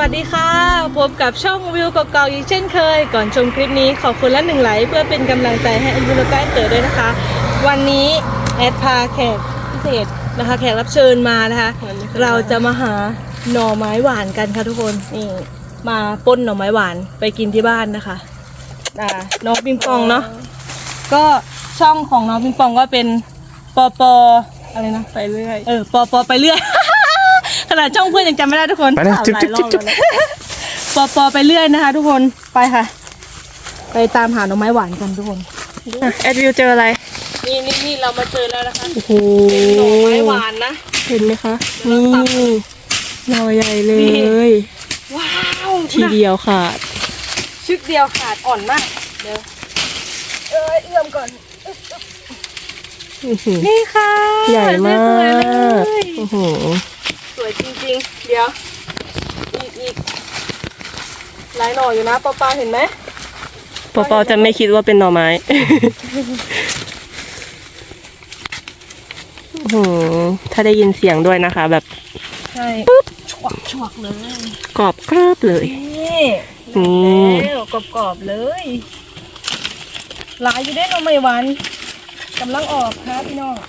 สดีค่ะพบกับช่องวิวเก่าๆอีกเช่นเคยก่อนชมคลิปนี้ขอบคุณและ1 ไลค์เพื่อเป็นกำลังใจให้อันวิวและใกล้เกิดด้วยนะคะวันนี้แอดพาแขกพิเศษนะคะแขกรับเชิญมานะคะเราจะมาหาหน่อไม้หวานกันค่ะทุกคนนี่มาป้นหน่อไม้หวานไปกินที่บ้านนะคะน้องปิงปองเนาะก็ช่องของน้องปิงปองก็เป็นปอปออะไรนะไปเรื่อยปอปอไปเรื่อยขนาดช่องเพื่อนยังจำไม่ได้ทุกคนไปนะจุ๊บจุ๊บจุ๊บจุ๊บปอไปเรื่อยนะคะทุกคนไปค่ะไปตามหาหน่อไม้หวานกันทุกคนแอดวิวเจออะไรนี่เรามาเจอแล้วนะคะโอ้โหเป็นหน่อไม้หวานนะเห็นไหมคะนี่หน่อใหญ่เลยว้าวทีเดียวขาดชึกเดียวขาดอ่อนมากเดี๋ยวเอื้อมก่อนนี่ค่ะใหญ่มากสวยจริงๆเดี๋ยวอีกหลายหน่ออยู่นะป้าเห็นไหมป้าจะไม่คิดว่าเป็นหน่อไม้ถ้าได้ยินเสียงด้วยนะคะแบบใช่ปุ๊บชวกเลยกรอบกรอบเลยนี่แล้วกรอบเลยหลายอยู่ได้หน่อไม้หวานกำลังออกค่ะพี่น้อง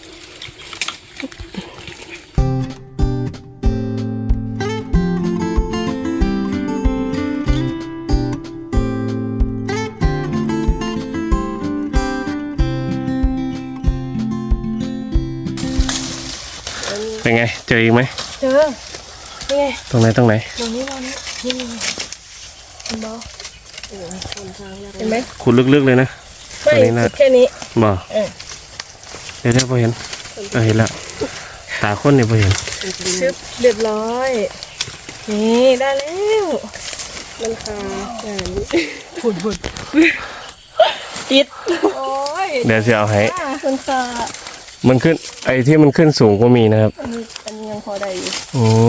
เป็นไงเจออีกไหมเจอเป็นไงตรงไหนตรงนี้เห็นบ่เห็นไหมขุดลึกๆเลยนะไม่แค่นี้บ่เดี๋ยวพอเห็นเห็นแล้วตาคนเนี่ยพอเห็นชึบเรียบร้อยนี่ได้แล้วมันค่ะฝุ่นติดโอ้ยเดี๋ยวจะเอาให้มันค่ะมันขึ้นไอ้ที่มันขึ้นสูงก็มีนะครับอันนี้ยังพอได้อยู่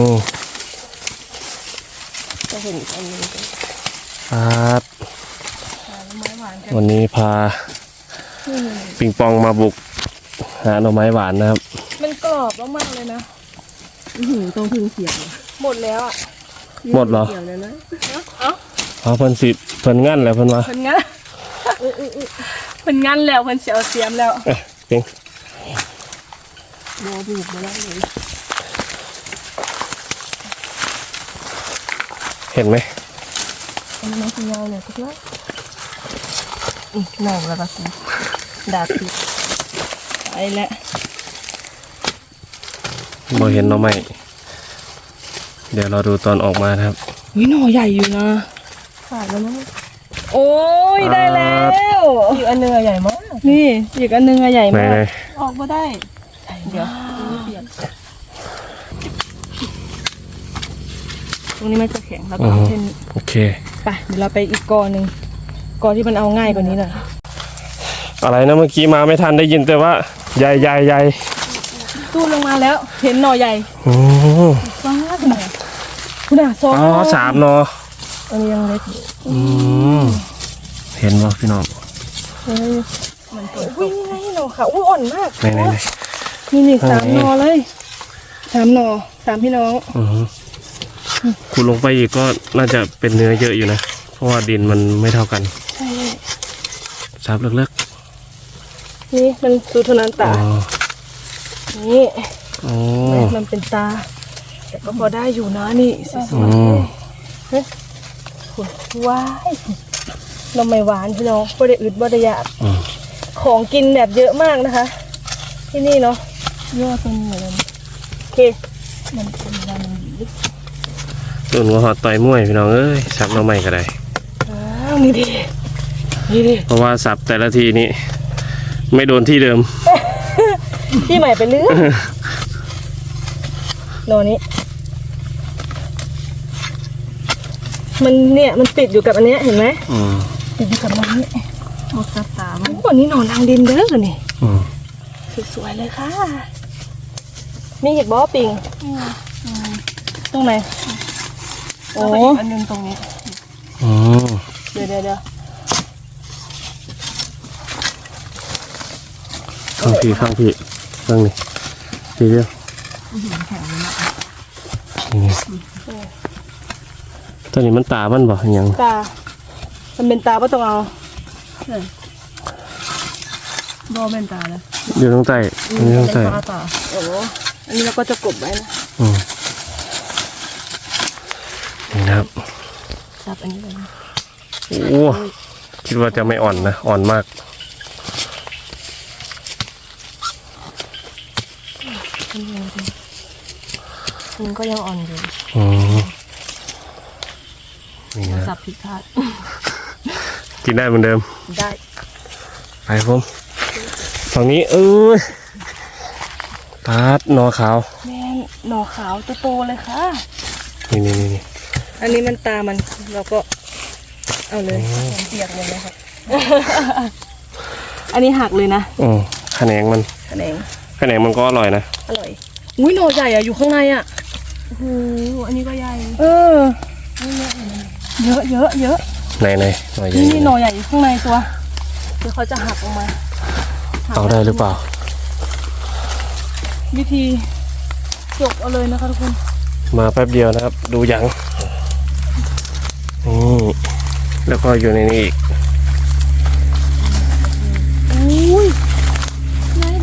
จะเห็นอันนี้ครับวันนี้พาปิงปองมาบุกหาหน่อไม้หวานนะครับมันกรอบมากๆเลยนะต้องพึ่งเสียบหมดแล้วอ่ะหมดเหรอเอาเพิ่นสิเพิ่นงั้นแล้วเพิ่นว่าเพิ่นงั้นเพิ่นงั้นแล้วเพิ่นเสียวเสียมแล้วจริงโดนบุกมาแล้วเลยเห็นไหมอันนี้มันยาวเลยทุกท่านหน่อแล้วก็สิดาบติดไปแล้วบ่เห็นหน่อไม้เดี๋ยวเราดูตอนออกมาครับวิหน่อใหญ่อยู่นะขาดแล้วมั้งโอ้ยได้แล้วอีกอันนึงใหญ่มากนี่อีกอันนึงใหญ่มากออกมาได้เดี๋ยวตรงนี้มันจะแข็งแล้วก็เช่นโอเคไปเดี๋ยวเราไปอีกกอหนึ่งกอที่มันเอาง่ายกว่านี้หน่อยอะไรนะเมื่อกี้มาไม่ทันได้ยินแต่ว่าใหญ่ตู้ลงมาแล้วเห็นหน่อใหญ่ว้าวคุณน่ะ 3 หน่ออันนี้ยังเล็กเห็นบ่พี่น้องมันตัวอุ้ยไงหน่อค่ะอุ้ยอ่อนมากไหนนี่3 หน่อเลย3 หน่อ3 พี่น้องขุดลงไปอีกก็น่าจะเป็นเนื้อเยอะอยู่นะเพราะว่าดินมันไม่เท่ากันใช่ซับเล็กๆนี่มันสูทนันตานี่มันเป็นตาแต่ก็พอได้อยู่นะนี่สวยๆว้ายหน่อไม้หวานพี่น้องบ่ได้อึดบ่ได้อยากของกินแบบเยอะมากนะคะที่นี่เนาะยอดต้นเหมือนโอเคมันเป็นวันต้นหัวหอดต่อยม้วยพี่น้องเอ้ยสับหน่อไม้ก็ได้นี่ดิเพราะว่าสับแต่ละทีนี้ไม่โดนที่เดิมที่ใหม่ไปเรื่อยโนนี้มันเนี่ยมันติดอยู่กับอันนี้เห็นไหมติดอยู่กับมันนี่หมดตามันวันนี้นอนทางดินเด้อนี่สวยๆเลยค่ะมีเห็ดบอปิงตรงไหนโอ้อันนึงตรงนี้เดี๋ยวข้างพี่ข้างนี้ทีเดียวตัวนี้มันตามันบ่ยังตา มันเป็นตาป่ะต้องเอาบอเป็นตาแล้วอยู่ตรงใต้อันนี้ตรงใต้เป็นตาโอ้อันนี้เราก็จะกบไว้นะนี่นะครับจับอันนี้เลยนะโอ้คิดว่าจะไม่อ่อนนะอ่อนมากมันก็ยังอ่อนอยู่อืมนี่นะสับผิดพลาดกินได้เหมือนเดิมได้ไปผมฝั่งนี้ตาดนอขาวแม่นหน่อขาวโตๆเลยค่ะนี่อันนี้มันตามันเราก็เอาเลยเปียกเลยนะครับ อันนี้หักเลยนะแขนงมันแขนงแขนงมันก็อร่อยนะอร่อยอุ้ยหน่อใหญ่อะอยู่ข้างในอะโอ้โหอันนี้ก็ใหญ่เยอะเยอะเยอะไหนหน่อยใหญ่นี่หน่อใหญ่อยู่ข้างในตัวเดี๋ยวเขาจะหักออกมาเอาได้หรือเปล่าวิธีจกเอาเลยนะคะทุกคนมาแป๊บเดียวนะครับ ดูยังนี่แล้วก็อยู่ในนี้อีกอุ้ยง่ายแท้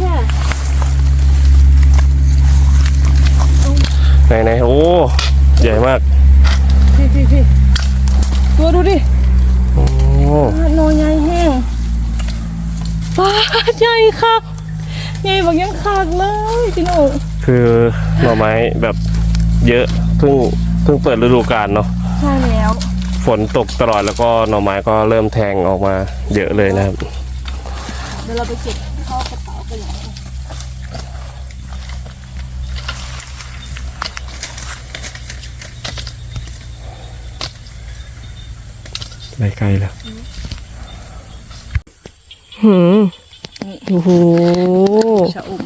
ไหนโอ้ใหญ่มากพี่ตัวดูดิโอ้หน่อใหญ่แห้งปลาใหญ่คักใหญ่บอกยังคักเลยพี่หนูคือหน่อไม้แบบเยอะเพิ่งเปิดฤดูกาลเนาะใช่แล้วฝนตกตลอดแล้วก็หน่อไม้ก็เริ่มแทงออกมาเยอะเลยนะครับเดี๋ยวเราไปเก็บเข้ากระเป๋ากันเลยไปไกลแล้วโอ้โหชะอม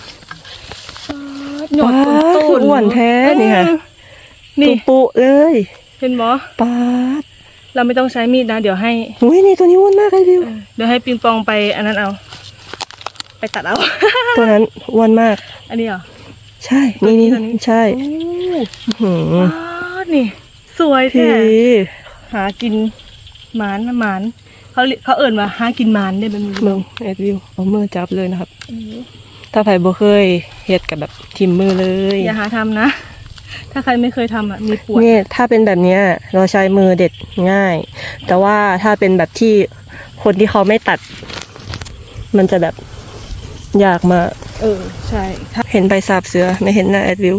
หยอดตุ้นอ้วนแท้นี่ค่ะนี่ปุเลยเห็นบอปาดเราไม่ต้องใช้มีดนะ เดี๋ยวให้อุ้ยนี่ตัวนี้อ้วนมากเลยดิวเดี๋ยวให้ปิงปองไปอันนั้นเอา ไปตัดเอาตัวนั้นอ้วนมากอันนี้เหรอใช่นี่ตัวนี้ใช่โอ้หืมนี่ สวยพี่แท้หากินหมานนะหมานเขาเอิ่นว่าหากินหมานได้เป็นมือมึงเอ็ดวิวเอามือจับเลยนะครับ ถ้าไผ่บ่เคยเฮ็ดกับแบบทิมมือเลยอย่าหาทำนะ ถ้าใครไม่เคยทำอ่ะมีปวดเนี่ยถ้าเป็นแบบเนี้ยเราใช้มือเด็ดง่าย แต่ว่าถ้าเป็นแบบที่คนที่เขาไม่ตัด มันจะแบบยากมากใช่ถ้าเห็นใบสาบเสือไม่เห็นหน้าแอดวิว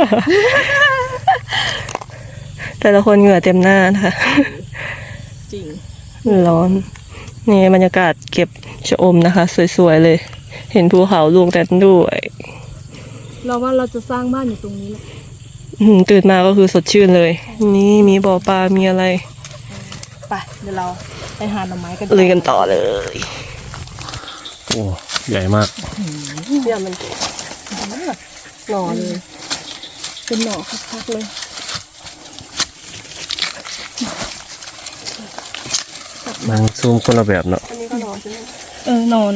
แต่ละคนเหงื่อเต็มหน้านะคะจริงร้อน นี่บรรยากาศเก็บชะอมนะคะ สวยๆเลย เห็นภูเขาลูกแต่ด้วยเราว่าเราจะสร้างบ้านอยู่ตรงนี้แหละตื่นมาก็คือสดชื่นเลย นี่มีบ่อปลา มีอะไรไปเดี๋ยวเราไปหาหน่อไม้กันเลยกันต่อเลยโอ้ใหญ่มากเนี่ยมันหน่อเลยเป็นหน่อคักๆเลยมันซูมคนละแบบเนาะอันนี้ก็หน่อใช่ไหมหน่อ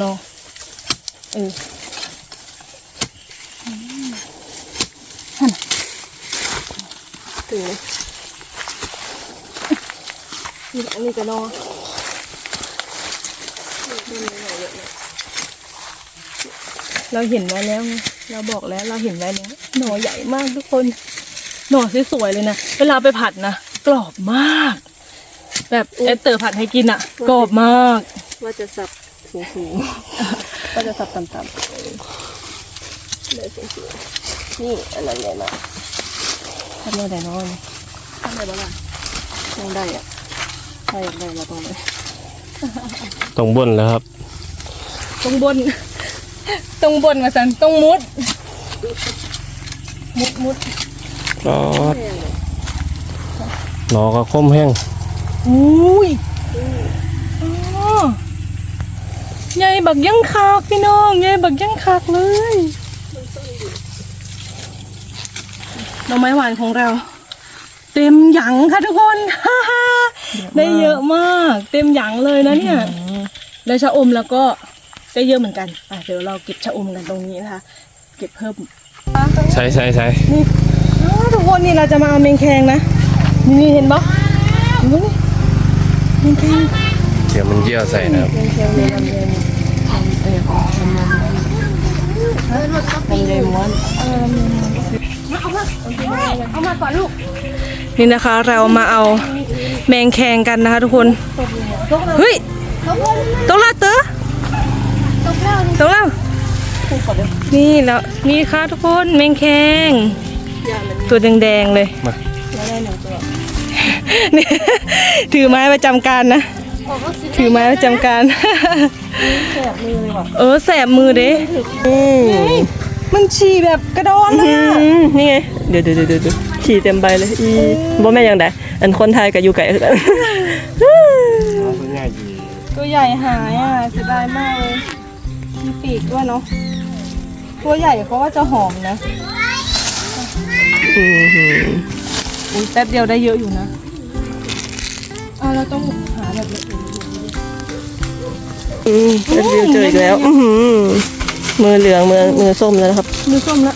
ถึงเลยอันนี้ก็หน่อเราเห็นไว้แล้วไงเราบอกแล้วเราเห็นไว้แล้วหน่อใหญ่มากทุกคน หน่อสวยๆเลยนะเวลาไปผัดนะกรอบมาก แบบเอสเตอร์ผัดให้กินอ่ะ กรอบมากว่าจะสับสูงๆว่าจะสับต่ำๆเลยสูงๆนี่อันนั้นใหญ่มากทำได้แต่น้อยทำได้บ้างยังได้อ่ะถ้าอยากได้เราต้องได้ตรงบนแล้วครับตรงบน ตรงบนมาสันตรงมุด มุดก็หนอก็คมแห้งอุ้ยอ๋อใหญ่บักยังคักพี่น้องใหญ่บักยังคักเลยหน่อไม้หวานของเรา เต็มหยังค่ะทุกคน ได้เยอะมาก เต็มหยังเลยนะเนี่ยแล้วชะอมแล้วก็ได้เยอะเหมือนกันเดี๋ยวเราเก็บชะอมกันตรงนี้นะคะ เก็บเพิ่มใช่นี่ทุกคนนี่เราจะมาเอาแมงแคงนะนี่เห็นปะนี่นี่แค่เดี๋ยวมันเยี่ยวใส่นะครับเชียงเลยลำเย็นลำเย็นม้วนนี่นะคะเรามาเอาแมงแคงกันนะคะทุกคนเฮ้ยตกแล้วเต๋อตกแล้วนี่แล้วนี่ค่ะทุกคนแมงแคงตัวแดงๆเลยมาแล้วได้หนึ่งตัวนี่ถือไม้ประจำการนะถือไม้ประจำการแสบมือเลยว่ะแสบมือเด้มันฉี่แบบกระโดนนะนี่ไงเดี๋ยวขี่เต็มใบเลยอีบ่แม่ยังไดอันคนไทยกับอยู่ไก่คือกันง่ายดีตัวใหญ่หายอ่ะเสียดายมากเลยมีปีกด้วยเนาะตัวใหญ่เขาว่าจะหอมนะอุ้ยแป๊บเดียวได้เยอะอยู่นะเราต้องหาแบบละเอียดแล้ววิวเจออีกแล้วมือเหลืองมือส้มแล้วนะครับมือส้มละ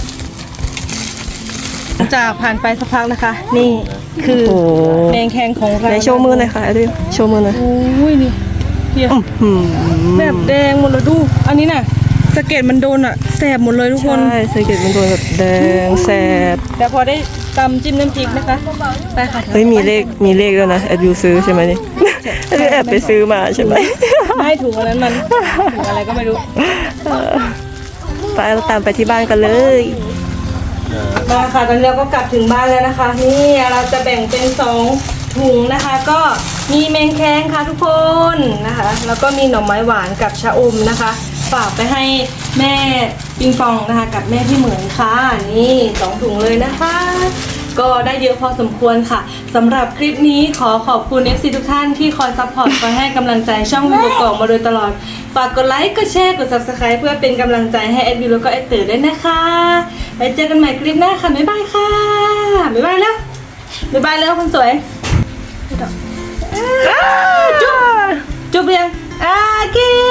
จากผ่านไปสักพักนะคะ นี่คือโอ้แมงแคงของเราไหนโชว์มือหน่อยค่ะดิวโชว์มือหน่อยโอ้ยนี่เพียแบบแดงหมดเลยดู อันนี้น่ะสะเก็ดมันโดนอ่ะแสบหมดเลยทุกคนใช่สเก็ตมันโดนแบบแดงแสบแต่พอได้ตำจิ้มน้ำพริกนะคะไปค่ะเฮ้ยมีเลขด้วยนะแอบยูซื้อใช่ไหมนี่แอบไปซื้อมาใช่ไหมไม่ถุงอันนั้นมันถุงอะไรก็ไม่รู้ไปเราตามไปที่บ้านกันเลยมาค่ะตอนนี้เราก็กลับถึงบ้านแล้วนะคะ นี่เราจะแบ่งเป็น2ถุงนะคะ ก็มีแมงแคงค่ะทุกคนนะคะ แล้วก็มีหน่อไม้หวานกับชะอมนะคะฝากไปให้แม่ปิงปองนะคะ กับแม่พี่เหมือนค่ะนี่2ถุงเลยนะคะ ก็ได้เยอะพอสมควรค่ะสำหรับคลิปนี้ขอขอบคุณ FC ทุกท่านที่คอยซัพพอร์ตคอยให้กำลังใจช่องวิวกอกมาโดยตลอดฝากกดไลค์กดแชร์กด Subscribe เพื่อเป็นกำลังใจให้แอดวิวแล้วก็แอดเต๋อด้วยนะคะไว้เจอกันใหม่คลิปหน้าค่ะบ๊ายบายค่ะบ๊ายบายแล้วบ๊ายบายแล้วคนสวยจุ๊บจุ๊บยังกิน